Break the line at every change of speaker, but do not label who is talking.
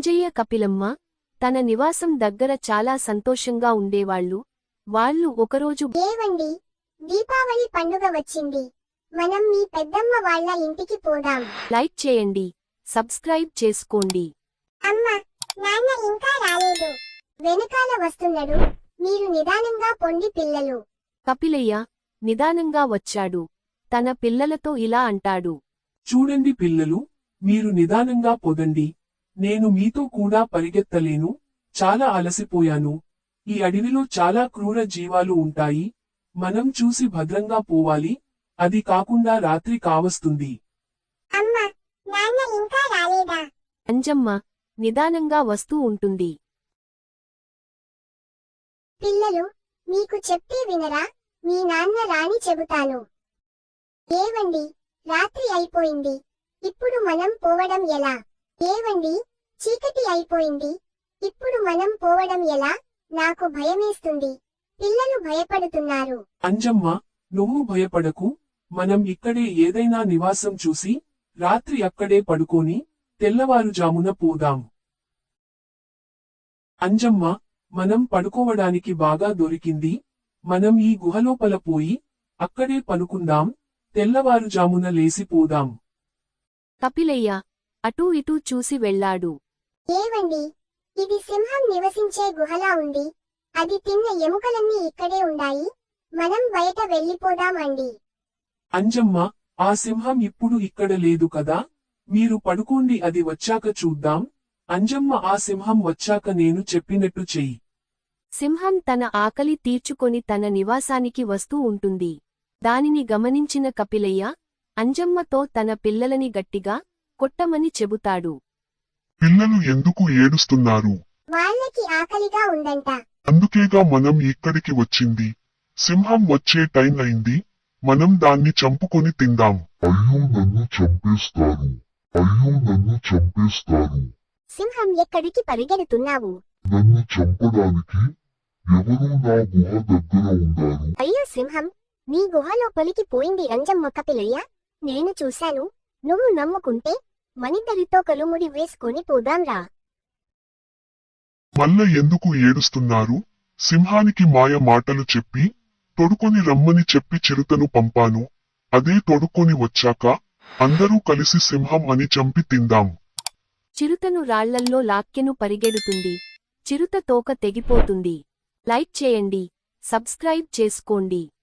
అంజయ్య కపిలమ్మ తన నివాసం దగ్గర చాలా సంతోషంగా ఉండేవాళ్లు. వాళ్ళు ఒకరోజు
ఏవండి, దీపావళి పండుగ వచ్చింది, మనం మీ పెద్దమ్మ వాళ్ళ ఇంటికి పోదాం.
లైక్ చేయండి, సబ్స్క్రైబ్ చేసుకోండి.
అమ్మ, నాన్న ఇంకా రాలేదు, వెనకాల వస్తున్నాడు, మీరు నిదానంగా పొండి పిల్లలు.
కపిలయ్య నిదానంగా వచ్చాడు. తన పిల్లలతో ఇలా అంటాడు.
చూడండి పిల్లలు, మీరు నిదానంగా పొదండి. నేను మీతో కూడా పరిగెత్తలేను, చాలా అలసిపోయాను. ఈ అడవిలో చాలా క్రూర జీవాలు ఉంటాయి, మనం చూసి భద్రంగా పోవాలి, అది కాకుండా రాత్రి కావస్తుంది.
అమ్మ, నాన్న ఇంకా రాలేదా?
అంజమ్మ నిదానంగా వస్తూ ఉంటుంది.
పిల్లలు, మీకు చెప్తే వినరా? మీ నాన్న రాని చెబుతాను. ఏవండి, రాత్రి అయిపోయింది, ఇప్పుడు మనం పోవడం ఎలా? ఏవండి, చీకటి అయిపోయింది, ఇప్పుడు మనం పోవడం ఎలా? నాకు భయమేస్తుంది, పిల్లలు భయపడుతున్నారు.
అంజమ్మ, నువ్వు భయపడకు, మనం ఇక్కడే ఏదైనా నివాసం చూసి రాత్రి అక్కడే పడుకొని తెల్లవారుజామున పోదాం. అంజమ్మ, మనం పడుకోవడానికి బాగా దొరికింది, మనం ఈ గుహలోపల పోయి అక్కడే పనుకుందాం, తెల్లవారుజామున లేసిపోదాం.
కపిలయ్య అటూ ఇటూ చూసి వెళ్ళాడు.
ఏవండి, ఇది సింహం నివసించే గుహలా ఉంది, అది తిన్న ఎముకలన్నీ ఇక్కడే ఉన్నాయి, మనం బయట వెళ్ళిపోదాం అండి.
అంజమ్మ, ఆ సింహం ఇప్పుడు ఇక్కడ లేదు కదా, మీరు పడుకోండి, అది వచ్చాక చూద్దాం. అంజమ్మ, ఆ సింహం వచ్చాక నేను చెప్పినట్టు చెయ్యి.
సింహం తన ఆకలి తీర్చుకొని తన నివాసానికి వస్తూ ఉంటుంది. దానిని గమనించిన కపిలయ్య అంజమ్మతో తన పిల్లలని గట్టిగా కొట్టమని చెబుతాడు.
పిల్లలు ఎందుకు ఏడుస్తున్నారు?
వాళ్ళకి ఆకలిగా ఉందంట.
అందుకేగా మనం ఇక్కడికి వచ్చింది. సింహం వచ్చే టైం అయింది, మనం దాన్ని చంపుకొని తిందాం. అయ్యో, నన్ను చంపేస్తారు, అయ్యో, నన్ను చంపేస్తారు.
సింహం, ఎక్కడికి పరిగెడుతున్నావు?
నన్ను చంపడానికి ఎవరూ నా గుహ దగ్గర ఉన్నారు.
అయ్యో సింహం, నీ గుహ లోపలికి పోయింది అంజమ్మ. కపిలయ్య, నేను చూశాను, నువ్వు నమ్ముకుంటే మనిద్దరితో కలుముడి వేసుకొని పోదాంరా.
మల్ల ఎందుకు ఏడుస్తున్నారు? సింహానికి మాయ మాటలు చెప్పి తొడుకొని రమ్మని చెప్పి చిరుతను పంపాను, అదే తొడుక్కొని వచ్చాక అందరూ కలిసి సింహం అని చంపి తిందాం.
చిరుతను రాళ్లల్లో లాక్కెను పరిగెడుతుంది. చిరుత తోక తెగిపోతుంది. లైక్ చేయండి, సబ్స్క్రైబ్ చేసుకోండి.